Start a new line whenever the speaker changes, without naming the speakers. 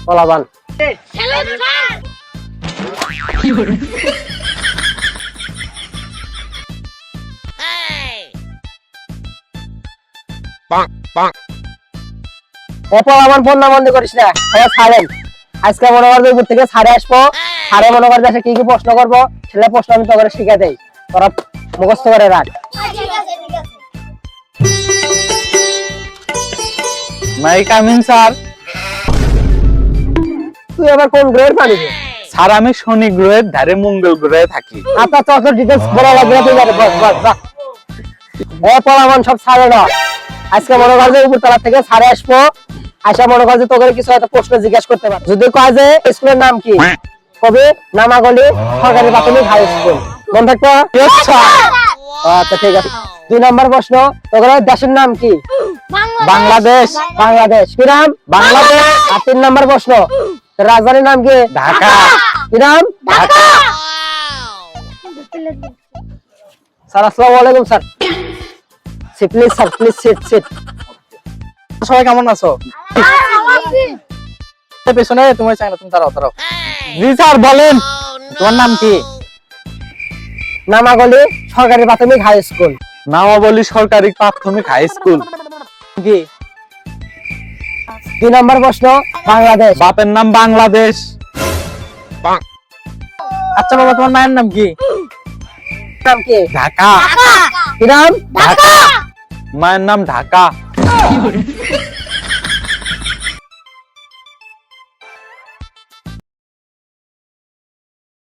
পোলাপান। পোলাপান ফোন না বন্ধ করিস না, সবাই ছাড়েন। আজকে মনে করবে উপর থেকে ছাড়ে আসবো, ছাড়ে মনে করবে কি কি প্রশ্ন করবো, ছেলে প্রশ্ন আমি তোকে শিখে দেই, তোরা মুখস্থ করে রাখ।
May I coming sir.
তুই আবার কোন গ্রহের প্রাণী রে?
স্যার আমি শনি গ্রহের ধারে মঙ্গল গ্রহে থাকি।
আপনার তো ডিটেইলস বলা লাগবে না, তুই যাবে বস বস যা। পোলাপান সব ছাড়ে না, আজকে মনে করবে উপর তলা থেকে ছাড়ে আসবো, আশা মনে কর যে তোকে কিছু একটা প্রশ্ন জিজ্ঞাসা করতে পারে। যদি কয় যে স্কুলের নাম কি, কবি নামাগলি সরকারি প্রাথমিক হাই স্কুল, মনে থাকতো? আচ্ছা ঠিক আছে। 2 নম্বর প্রশ্ন, তোর দেশের নাম কি?
বাংলাদেশ।
বাংলাদেশ। কি নাম?
বাংলাদেশ।
আর 3 নম্বর প্রশ্ন, তোর রাজধানীর নাম কি?
ঢাকা।
কি নাম?
ঢাকা।
স্যার আসসালামু আলাইকুম sir. Please sir, please sit sit.
সবাই কেমন আছো? পেছনে তোমার চাই না, তুমি তারাও। জি স্যার বলেন, তোমার নাম কি?
নামাগলি সরকারি প্রাথমিক হাই স্কুল।
নামাবলী সরকারি প্রাথমিক হাই স্কুল।
কি? 2 নম্বর প্রশ্ন, বাংলাদেশ।
বাপের নাম বাংলাদেশ। আচ্ছা বাবা, তোমার মায়ের নাম কি?
নাম কি?
ঢাকা।
কি নাম?
ঢাকা। মায়ের নাম ঢাকা।